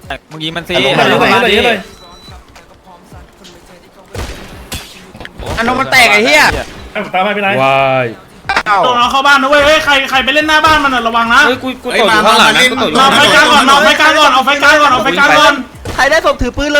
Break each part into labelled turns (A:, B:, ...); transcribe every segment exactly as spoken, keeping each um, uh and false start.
A: มึงยิงมันสิ
B: อันนมันแตกไอ้เหี้ยตามไปไหนวายตัวน้องเข้าบ้านนะเว้ยเฮ้ยใครใครไปเล่นหน้าบ้านมันระวังนะ
A: เฮ้ยกูกูตกอยู่ข้างหลังนะกูตกอยู่
B: เอาไฟกลางก่อนเอาไฟกลางก่อนเอาไฟกลางก่อนเอาไฟกลางก่อน
C: ใครได้ศพถือปืนเลย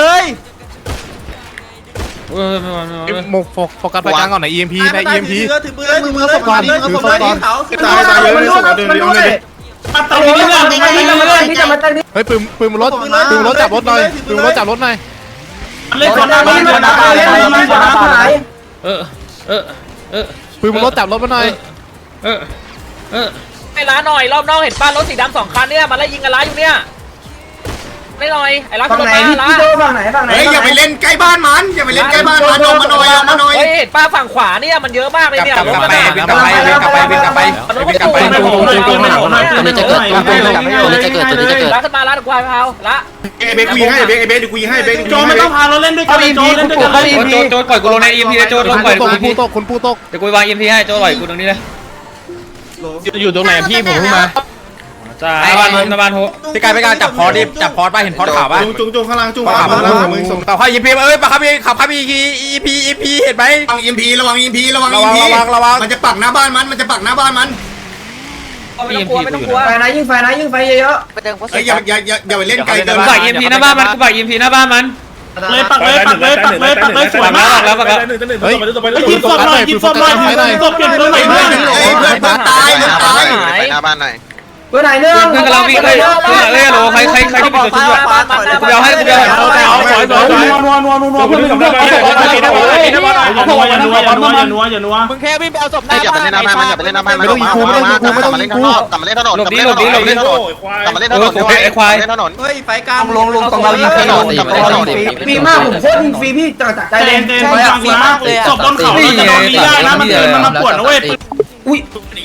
A: เออไม่ไหวไม่ไหวไม่ไหว
D: โฟกัสไปกลางก่อนใน อี เอ็ม พี ใน อี เอ็ม พี
C: ถือปืนเลยมือมือศพก่อนถือศพเลยเขา
B: ตายตายเยอะเลยศพเดินเดียวเลยปัดตายเรื่อยๆไม่ไม่ไม่ที่จะมาตั้ง
D: เฮ้ยปืนปืนบนรถปืนบนรถจับรถหน่อยปืนบนรถจับรถหน่อย
B: เล่นคนหน้าบ้านคนหน้าบ้านเล่นคนหน้าบ้าน
A: เออเออเออ
D: ปืนบนรถจับรถมาหน่อย
A: เออเออ
E: ไอ้ร้านหน่อยรอบนอกเห็นป้ารถสีดำสองคันเนี่ยมันไล่ยิงกันร้านอยู่เนี่ยไม่หน่อยไอ้ร้านคนมาร้าน
B: เฮ้ยอย่าไปเล่นใกล้บ้านมันอย่าไปเล่นใกล้บ้านมันลงมาหน่อยมาหน่อย
E: เฮ้ยเห็นป้าฝั่งขวาเนี่ยมันเยอะมากเลยเนี่ยรถมัน
D: กลับไปกลับไปกลับไปกลับไป
E: รถมันตูนเลย
C: ตัวนี้จะเกิดตัวนี้จะเกิดตัวนี้จะเกิด
E: ร้านขึ้นมาร้านควายเผาละ
B: เอเบกคุยให้เบกเบกคุยให้เบกโจไม่ต้องพาเราเล่นด้วยกันโจเล่นด้วยกัน
A: โจโจปล่อยกูลงในอีพีโจลงปล่อย
D: ต
A: กู
D: ก
A: อี
D: คุณ
A: พี
D: ผู้ตกคุณผู้ตก
A: เดี๋ยวกูวางอีพีให้โจปล่อยกูตรงนี้เลย
D: อยู่ตรงไหนพี่ผมเพิ่งมา
A: จ้าบ้านหน้าบ้านโห
D: พี่กายพี่กายจับพอดิจับพอป่ะเห็นพอข่าวป่ะ
B: จุงจุงจุงข้างล่างจุง
D: ข่าวป่ะมึงส่งต่อให้อีพีเอ้ยปะครับพี่ขับครับอีพีอีพีอีพีเห็นไหม
B: ระวังอิมพีระวังอิมพีระวังอิมพีมันจะปักหน้าบ้านมันมันจะปักหน้าบ้านมัน
E: ไม่ต้องกลัวไม่ต้องกลัว
C: ไฟนะยิ่งไฟนะยิ่งไฟเยอะ
B: เฮ้ยอย่าอย่าอย่าอย่าไปเล่นไกลเกิน
A: กูปักอีพีหน้าบ้านมันกูปักอีพีหน้าบ้านมัน
B: เลยปักเลยปักเลยปักเลยปักเลยสวยมาก
A: แล้วปักแล้ว
D: เฮ้ย
B: ยิงศพหน่อยยิงศพหน่อยยิงศพเปลี่ยนเพื่อนหน่อยเพื่อนเฮ้ยเพื่อนเพื่อนตายเพื่อนตาย
F: หน้าบ้านหน่อย
C: เพื่อนไหนเนื้อ
A: เพื่อนกำลังวิ่งเลยเพื่อนเอ้ยโหลใครใครใครที่ปิดตัวชุดอ่ะกูเดี๋ยวให้กูเดี๋ยวให้
B: เอาเอาสวยสวยสวยนัวนัวนัวนัวเพื่อนเพื่อนอย่านัวอย่านัวอย่านัวอย่านัวอย่านัวอย่านัว
C: มึงแค่วิ่งไปเอาศพห
F: เฮ้
C: น้าย
F: อย่า
C: บ้า
F: ไป
C: น
F: เล่นหน้าบ้านมันอย่าไปเล่นหน้าบ้านมันกลับมาเล่นถนนกลับมาเล่นถนนกลับมาเล่นถนนกลับมาเล่นถนนกลับมาเล่นถนนเล่นถนน
C: เฮ้ยไฟกลางลงลงตรงเรายิงฟรีฟรีมากผมโคตรยิงฟรีพี่จากใจ
B: เต้นเต้นคนฟังนะศพบนเขาเราจะโดนนี้ได้นะมันเดินมันมาปวดนะเว้ยอุ้ย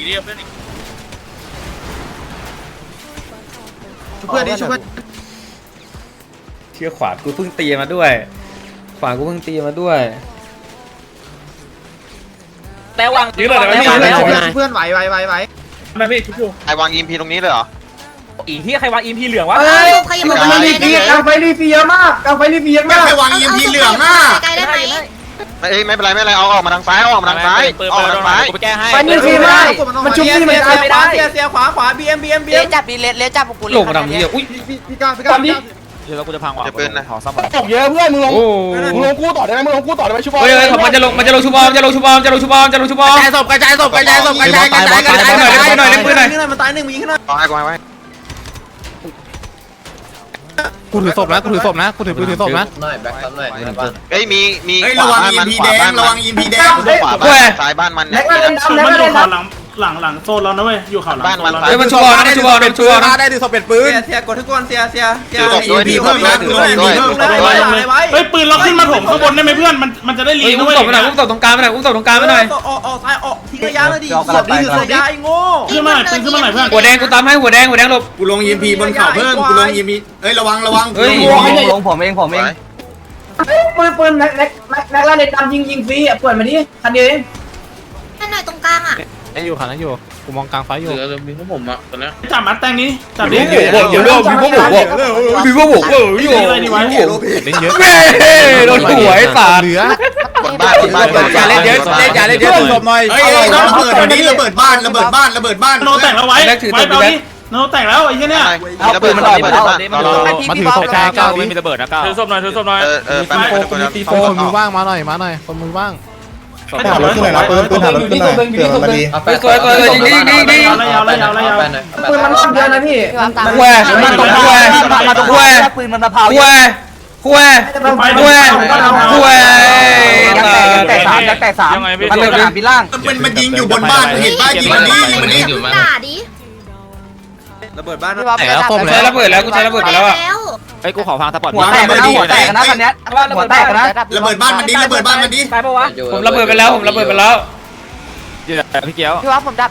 C: เพื่อนดิช่วย
A: เชื่อขวากูเพิ่งตีมาด้วยขวากูเพิ่งตีมาด้วย
E: แต่วาง
C: เพื่อนไหวไหวไหวไหว
F: ไอ้วางยิมพีตรงนี้เลยเหรอ
E: อีที่ใครวางอีพีเหลืองวะ
C: เฮ้ยมันกำลังรีฟีกลางไฟรีฟีเยอะมากกลางไฟรีฟีเยอะ
B: ไม่
C: มาก
B: ไปวางยิมพีเหลืองอ่ะ
G: ไกลได้ไหม
F: ไม่ไม่เป็นไรไม่เป็นไรเอาออกมาทางซ้ายออกมาทางซ้ายออกมาทางซ้าย
C: ไฟรีฟีมากมันชุบนี่มันตายไม่ได้
E: เสียเสียขวาขวาบีเอ็มบีเอ็มบี
G: เลี้
E: เอ็
G: ย
E: ม
G: จับดิเลี้ยจับกู
A: หลงมาทำนี้อุ้ย
C: พี่ก้าวพี่ก้าวนี่
D: เดี๋ยวกูจะพังว่ะ
F: จะปืนนะ
C: ตกเยอะเพื่อนมึงลง
A: โอ้
C: มึงลงกู้ต่อได้ไหมมึงลงกู้ต่อได้ไหมชุบอล
A: เฮ้ยเฮ้ยมันจะลงมันจะลงชูบอลจะลงชูบอลจะลงชูบอลจะลงชูบอล
D: กระจายศพกระจายศพกระจายศพกระจายกระจายกระจาย
A: หน่อยเล่นหน่อยเล่นปืนหน่อย
C: มันตายหนึ่งมึงยิงขึ้นหน่อย
F: เอาให้กูให้ไว้
D: กูถือศพนะกูถือศพนะกูถือปืนถือศพนะ
F: เฮ้ยมีมี
B: เฮ้ย
F: ข
B: ระ
F: วา
B: วัง
F: บ้าน
B: ยิ
F: มั
B: ม
F: น
B: พี
F: ขวา
B: แด
F: บ้าง น
B: ระ
F: มั
B: วัน งยิมพีแดง
F: ขวาบ้านซ้ายบ้านมัน
C: แล้
F: เนี่
C: วย ก็เล่น
B: ศพ
C: ดำ
B: มัน
C: แล้ว
B: อ
C: ก็
B: ยู่
C: เล่น
B: เขาหลังหลังหลังโซนเรานะเว้ยอยู่เขาหลัง
A: เฮ้ยมันชูบอลนะชูบอลชูบอลนะ
D: ได้ถือศพเป็นปืน
C: เสียกดทุกคนเสียเสียเสีย
B: ยิมพีเพิ่มนะคือยิมพีเพิ่มเฮ้ยปืนเราขึ้นมาถมข้างบนได้ไหมเพื่อนมันมันจะได้ลี
A: เฮ้ย
B: นะ
A: อุ้ม
B: เว้ย
A: ตบไปหน่อยอุ้มตบตรงกลางไปหน่อยอุ้มตบตรงกลางไปหน่อย
C: ออกออกซ้ายออกทิ้งระยะเลยดิศพนี่คือระยะไอ้โง่
B: ขึ้นมาหน่อยปืนขึ้นมาหน่อยเพื่อน
A: หัวแดงกูตามให้หัวแดงหัวแดงหลบ
B: กูลงยิมพีบนเขาเพิ่มกูลงยิมพีเฮ้ยระวังระวัง
A: เฮ้ย
C: ลงผมเองผมเองปืนปืนแม็กแม็กแม็กแม็กล่าในดำยิงยิงฟรีอ่ะเปิดมาดิคันเดียวเอง
G: แค่หน่อยตรงกลางอ่ะ
D: ยังอยู่ขันนั้นอยู่กูมองกลางไฟอยู่
B: จับมัดแตงนี้จับดิ
A: เดี๋ยวเดี๋ยวพี่พวกผมบอกพี่พวกผมเอออยู่
B: อะไรดีวะ
D: เล่นเยอะ
A: แม่โดนหัวไอ้สาร
D: เหลือบ
F: นบ้านบนบ้าน
D: อย่าเล่นเยอะเล่นอย่าเล่นเยอะศพหน่อย
B: เฮ้ยระเบิดวันนี้ระเบิดบ้านระเบิดบ้านระเบิดบ้านโนแตกแล้วไว้ไว้เบาดิโนแตกแล้วไอ้เหี้ยเนี่ย
F: เอาปืนมันออกไปแล้ว
D: มาถือศพกลางก้าวไม่มี
A: ถือศพหน่อยถือศพหน่อย
F: เออเออแป๊บนึง
D: คนมือว่างมาหน่อยมาหน่อยคนมือว่าง
B: ไม่ถามรถขึ้นหน่อยนะปืนปืนถามรถขึ้นหน่อยเผื่อมันมาดี
A: สวยสวยยิงยิงยิงยิง
B: ยาวเลยยาวเลยยาวเลยยาว
C: ปืนมันเยอะนะพี่
G: พี่วางตาม
A: แควมาตรงแควมาตรงแคว
C: ปืนมันมะพร้าว
A: แควแควแควแคว
C: แตกสามแตกสามมันเลยสามปีล่าง
B: มันมันยิงอยู่บนบ้านเห็นบ้านยิงมันนี้ยิงมันนี้
G: ด่าดิ
C: ระเบิดบ้าน
G: พี่วาง
A: ใช้ระเบิดแล้วกูใช้ระเบิดไปแล้วอ่ะ
D: ไอ้กูขอฟังสปอร์ต
C: หัวแตกนะหัวแตกนะคันนี้หัวแตกนะ
B: ระเบิดบ้านมันดีระเบิดบ้านมันดี
E: ตายปะวะ
A: ผมระเบิดไปแล้วผมระเบิดไปแล้ว
D: พี่เกียว
G: พี่วางผมดับ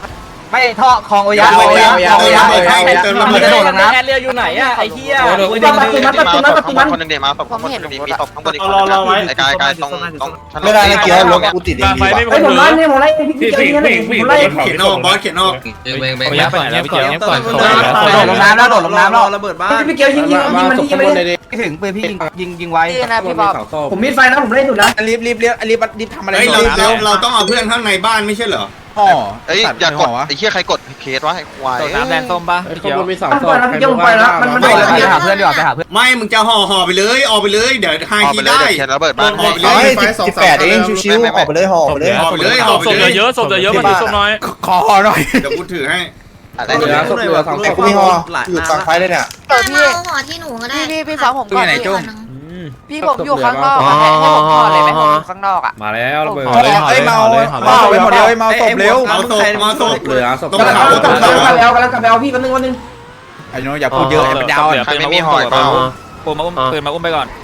C: ไม่ท่อคลองโอยะโอยะโอยะโอยะโอยะ
E: มันกระโดดลงน้ำแอนเรียอยู่ไหนอะไอ้เหี้ย
F: มาคนหนึ่งเดี๋ยวมาคนหนึ่งมีมีศพข้างบนอีกคนไอ้กายกายตรงตรงไม่ได้นะเกียร์รถกูติดเอง
B: ไฟไม่
C: ไอ้ผมไล่เนี่ยผมไล่พี่
B: พี่
C: เกียว
B: พี่
C: นี่
B: พี่
C: ผม
B: ไล่
C: ไล่
B: เขียนนอกบอสเขียนนอก
D: เงียบก่อนเงียบก่อนเงียบก่อน
C: โดดลงน้ำแล้วโดดลงน้ำแล้ว
H: ระเบิดบ้าน
C: พี่เกียวยิงยิงยิงมันยิงไปเลยถึงปืนพี่ยิงยิงยิงไว้
G: นี่นะพี่บ๊อบ
C: ผมมีไฟนะผมเล่นสุดนะ
H: รีบรีบรีบรีบรีบทำอะไร
B: เฮ้ยเราเราเราต้องเอาเพื่อนข้างในบ้านไม่ใช่เหรอ
H: ห่อ
F: เอ้ยอย่ากดไอ้เหี้ยใครกดเคสวะไอ้ควาย
E: โดดน้ำแดงส้มปะพี่เขียว
C: ต้องปล่อยแล้วพี่เกียวผมปล่อยแล้วมันมันไปหาเพื่อนดีกว่าไปหาเพื่อน
B: ไม่มึงจะห่อห่อไปเลยออกไปเลยเดี๋ยวไฮ
F: ออก
B: ที
F: ไปเลย
B: ได้
F: เดี๋ยวเขียนระเบิดบ้าน
B: ออกไปเล
F: ให้
B: ยสิบแปดเองชิวๆออกไปเลยห่อไปเลยห่อไปเลยห่อไปเลย
E: เยอะศพเยอะมาดูศพน้อย
H: ขอหน่อย
B: เดี๋ยวกูถือให้
F: อะไร
H: เหลือศพเหลือสองศพ
G: พี่อยู่ฝั่งไฟเลยเนี่ยมาเอาห่อที่หนูก็ได้พี่พี่ฟังผมก่อนพี่ผมอยู่ข้างนอกให้ผมห่อเลยไหมผมอยู่ข้างนอกอ่ะ
A: มาแล้วระเบิด
H: เอ้ยเมาเมาไปหมดเลยเมาศพเร็ว
B: เอาศพมาศพ
A: เหลือศพ
B: ต้อง
C: กำลัง
B: เขา
C: กำ
B: ต้อง
C: ลัง
B: เขา
C: กำลังกำลังกำลังพี่แป๊บนึงแป๊บนึง
H: ไอ้น้องอย่าพูดเยอะไอ้มันยาว
F: ใครไม่มีหอยเปล่า
E: ปูมาอุ้มปืนมาอุ้มไปก่อน